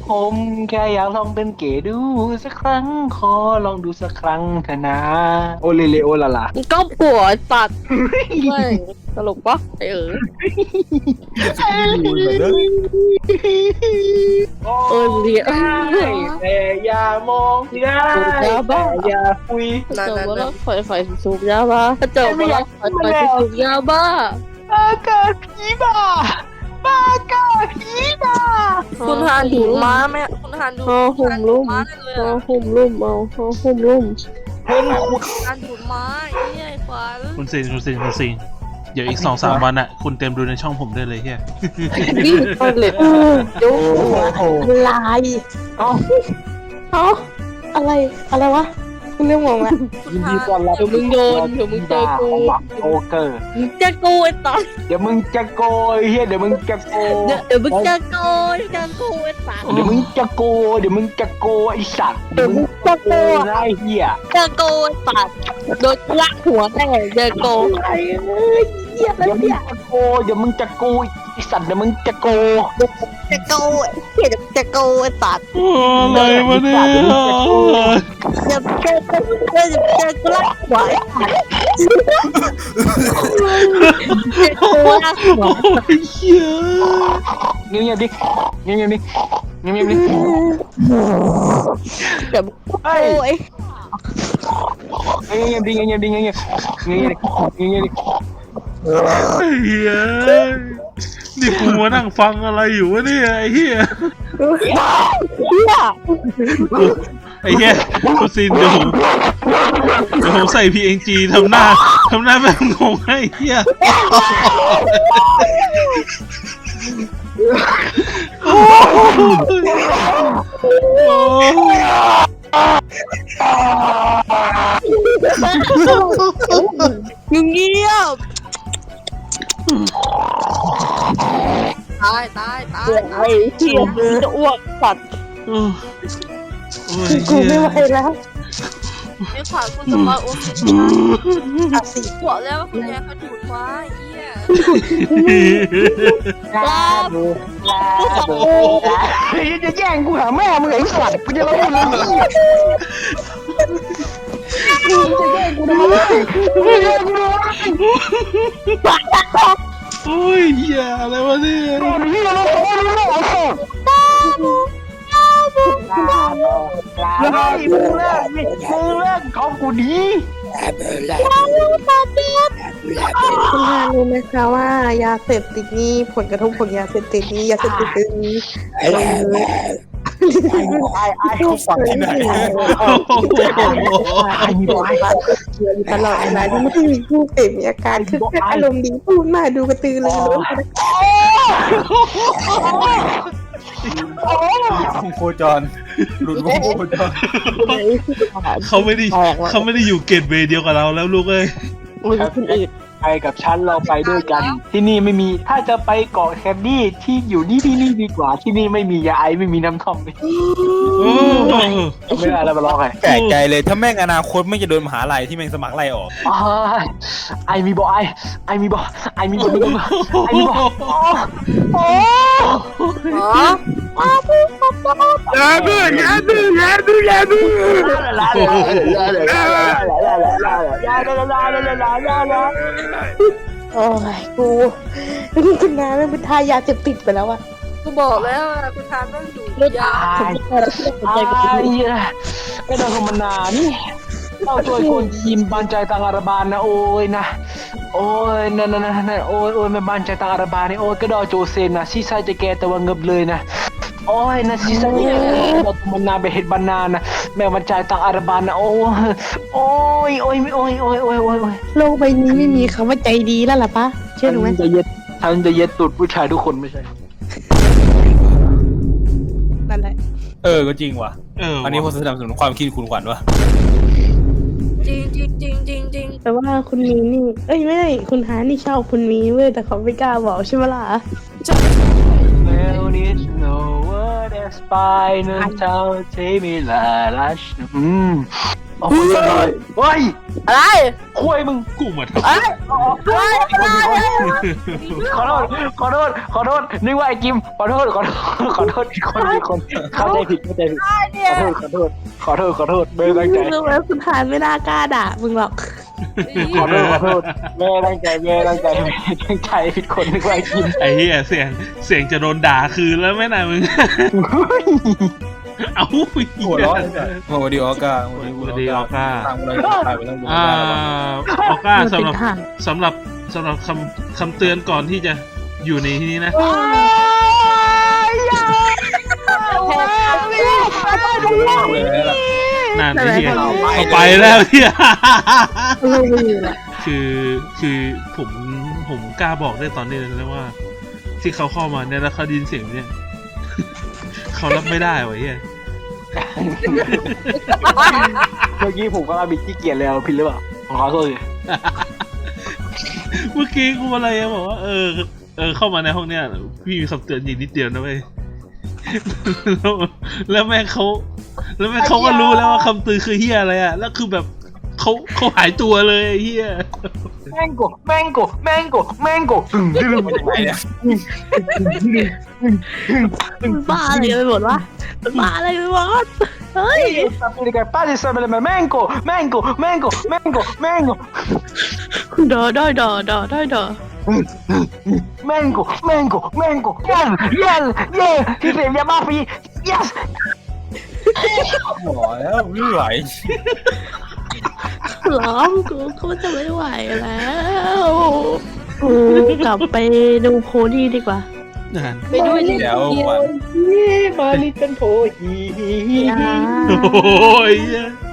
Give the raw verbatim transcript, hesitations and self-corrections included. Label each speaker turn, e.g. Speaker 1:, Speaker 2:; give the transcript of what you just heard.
Speaker 1: ผมแค่อยากลองเป็นเก๋ดูสักครั้งขอลองดูสักครั้งเถอะนะโอเลเลโอลาลา
Speaker 2: ก็ผัวตัดไม่ตลกปะไอเออเออเรียน
Speaker 1: แต่อย่ามองได้แต่อย่าคุย
Speaker 2: เจอว่าเราไฟไฟสูบยาบ้าเจอว่าเราไฟไฟสูบยาบ้า
Speaker 1: บ้ากาผีบ้าบ้ากาผีบ้า
Speaker 2: คุณหานดูม้าไหมคุณหานดูหุ่มลุ่มเอาหุ่มลุ่มเอาเอาหุ่มลุ่ม
Speaker 1: เห็นคุณ
Speaker 2: หานดูม้าไอ้ขวัญ
Speaker 3: คุณซินคุณซินคุณซินเดี๋ยวอีกสองสามวันอ่ะคุณเต็มดูในช่องผมได้เลยเฮีย
Speaker 2: นี่ตอนเล็ดจุ๊บลาย
Speaker 1: เอ้า
Speaker 2: เอ้าอะไรอะไรวะคุณเรื่องมองละ
Speaker 1: ยินดีต้อนรับ
Speaker 2: เดี๋ยวมึงโดนเดี๋ยวมึงเจอกู
Speaker 1: โอเกอร์
Speaker 2: จะโกยตอน
Speaker 1: เดี๋ยวมึงจะโกยเฮียเดี๋ยวมึงจะโก
Speaker 2: เดี๋ยวมึงจะโกยจะโกยสัตว์
Speaker 1: เดี๋ยวมึงจะโกเดี๋ยวมึงจะโกไอสัตว์
Speaker 2: เดี๋ยวมึงจะโก
Speaker 1: ไอเหี้ย
Speaker 2: จะโกสัตว์โดนลักหัวแน่จะโกไอ้เอ้ยเหี้ยแล้วเนี่ย
Speaker 1: จะโกเดี๋ยวมึงจะโกไอสัตว์เดี๋ยวมึงจะโก
Speaker 2: จะโกเหี้ยจะโกสัตว์
Speaker 3: อะไรวะเนี่ย
Speaker 2: จะจะจะจะจะลักหัวจะโกลักหัว
Speaker 3: เฮีย
Speaker 1: เงียบเงียบดิเงียบเงียบดิเงียบเงียบดิ
Speaker 2: เดี๋ยวโอ้ย
Speaker 1: เงียบดิเงียบเงียบดิเงียบเงียบเงียบดิเงียบดิ
Speaker 3: เฮียนี่กูมานั่งฟังอะไรอยู่วะเนี่ยไอ้เฮียไอ้เฮียคุณซินเดี๋ยวผมเดี๋ยวผมใส่ พี เอ็น จี ทำหน้าทำหน้าแบบงงให้เฮีย
Speaker 2: มึงเงียบตายตายตายไอ้เหี้ยจะอ้วกสัตว์กูไม่ไหวแล้วไม่ขวานคุณสมบัติโอเคนะสิบอกแล้วว่าคุณแม่เขาดูดไว้เหี้ยลาบลาบ
Speaker 1: จะแย่งกูหาแม่มึงไอ้สัตว์กูจะเล่าเรื่องนี้มึงจะแย่งกูทำไมมึงจะแย่งกูทำไม
Speaker 3: โอ้ยเหี้ยอะไรวะเนี่ย
Speaker 1: ก่อนที่เราจะรู้เรื่องอะไรก่อนลาบลาบลาบมึงเลิกมึงเลิกของกูดี
Speaker 2: คุณฮารู้ไหมคะว่ายาเสพติดนี้ผลกระทบของยาเสพติดนี้ยาเสพติดนี้
Speaker 1: ไอ้ไอ้ไอ้เขาฝังที่ไหนไอ้มีบอย
Speaker 2: ตลอดเวลาที่ไม่ได้มีผู้เสพมีอาการคืออารมณ์ดีพูดมาดูกระตือรือร้น
Speaker 1: วงโคจรหลุดวงโคจร
Speaker 3: เขาไม่ได้เขาไม่ได้อยู่เกตเวย์เดียวกับเราแล้วลูกเอ้ย
Speaker 2: คนอื่น
Speaker 1: ไปกับฉันเราไปด้วยกันที่นี่ไม่มีถ้าจะไปเกาะแคนดี้ที่อยู่นี่ที่นี่ดีกว่าที่นี่ไม่มียาไอไม่มีน้ำท่อมเลยไม่ได้อะไรมาลองไง
Speaker 4: แปลกใจเลยถ้าแม่งอนาคตไม่จะโดนมหาลัยที่แม่งสมัครไล่ออก
Speaker 1: ไอมีบอไอไอมีบอไอมีบอไอมีบอโอ้ยาบูยาบูยาบูยาบูลาลาลาลาลาลาลาลาลาลาลา
Speaker 2: โอ้ยกูคุณน้าไม่เป็นทายาเสพติดไปแล้วอะกูบอกแล้วคุณทานต้องอยู่ยา
Speaker 1: ไอ้ไอ้ดาวธรรมนานี่เราช่วยคนทีมบันใจตังอารบานนะโอ้ยนะโอ้ยนั่นนั่นนั่นโอ้ยโอ้ยไม่บันใจตังอารบานนี่โอ้ยก็ดอโจเซนนะซีไซจะแกแต่ว่าเงบเลยนะโอ้ยนะซีไซเนี่ยเราธรรมนาไปเห็ดบานานะแม่บันใจตังอารบานนะโอ้ยโอ้ยโอ้ยโอ้ยโอ้ยโอ้ยโอ้ย
Speaker 2: โลกใบนี้ไม่มีคำว่าใจดีแล้วล่ะปะเชื่อหนูไหม
Speaker 1: จะเย็ดท่านจะเย็ดตูดผู้ชายทุกคนไม่ใช่
Speaker 2: นั่นแหละ
Speaker 4: เออก็จริงว่ะอันนี้ผมสนับสนุนความคิดคุณขวัญว่ะ
Speaker 2: จริงจริงจริงจริงจริงแต่ว่าคุณมีนี่เอ้ยไม่ได้คุณหานี่ชอบคุณมีเว้ยแต่เขาไม่กล้าบอกใช่ไหมล่ะ
Speaker 1: Well, it's no word as by no tell, take me la la. โอ้ยเฮ้ย
Speaker 2: อะไร
Speaker 1: คุยมึง
Speaker 3: กูมาท
Speaker 2: เอ้ยเฮ้ย
Speaker 1: ขอโทษขอโทษขอโทษนึกว่าไอ้กิมขอโทษขอโทษขอโทษคนคนเข้าใจผิดเข้าใจผิดขอโทษขอโทษขอโทษขอโทษไม่ตั้งใจ
Speaker 2: รู้ไหมคุณทานไม่น่ากล้าด่ามึงหรอก
Speaker 1: ขอโทษขอโทษไม่ตั้งใจไม่ตั้งใจไม่ตั้งใจผิดคนนึกว่าไอ้กิม
Speaker 3: ำไอ้เหี้ยเสียงเสียงจะโดนด่าคืนแล้วไหม่นายมึง เอ้า
Speaker 4: หัวร้อนโมดีออก้า
Speaker 3: โมดีออก้า
Speaker 4: ตามเลยถ่ายไปต้องดู
Speaker 3: อ่าออก้าสำหรับ
Speaker 2: เป็นทาง
Speaker 3: สำหรับสำหรับคำคำเตือนก่อนที่จะอยู่ในที่นี้นะนั่นไอ้เหี้ยเอาไปแล้วเหี้ย
Speaker 2: เราไม่อยู่ละ
Speaker 3: คือคือผมผมกล้าบอกได้ตอนนี้เลยนะว่า ที่เขาเข้ามาเนี่ยแล้วเขาไดยินเสียงเนี่ย เขารับไม่ได้วะเหี้ย
Speaker 1: เมื่อกี้ผมก็ราบิดขี้เกียจแล้วผิดหรือเปล่าขอโทษเลย
Speaker 3: เมื่อกี้กูอะไรอะบอกว่าเออเออเข้ามาในห้องเนี้ยพี่มีคำเตือนอีกนิดเดียวนะเว้ย แล้วแล้วแม่งเขาแล้วแม่งเขาก็รู้แล้วว่าคำเตือนคือเฮียอะไรอะแล้วคือแบบเขาเขาหายตัวเลยไอ้เฮีย
Speaker 1: แมงโกแมงโกแมงโกแมงโกตึงตึง
Speaker 4: มันยังไงเนี่ย
Speaker 2: มันบ้าอะไรกันไปหมดวะมันบ้าอะไรไปหมดเฮ้ย
Speaker 1: sapere che pare sapere me mango mango mango mango mango
Speaker 2: ดอดอดอดอดอดอ
Speaker 1: mango mango mango yes yes yes ที่เสียงยามาฟี yes
Speaker 4: หมอแล้วไม่ไหว
Speaker 2: ร้องกูก็จะไม่ไหวแล้วกูกลับไปดูโพนี่ดีกว่า
Speaker 3: นั่น
Speaker 2: ไปด้วยเลย
Speaker 4: เดี๋ยววัน
Speaker 1: มาลิตันโพฮี
Speaker 2: อย่า
Speaker 3: โอ้ยเหี้ย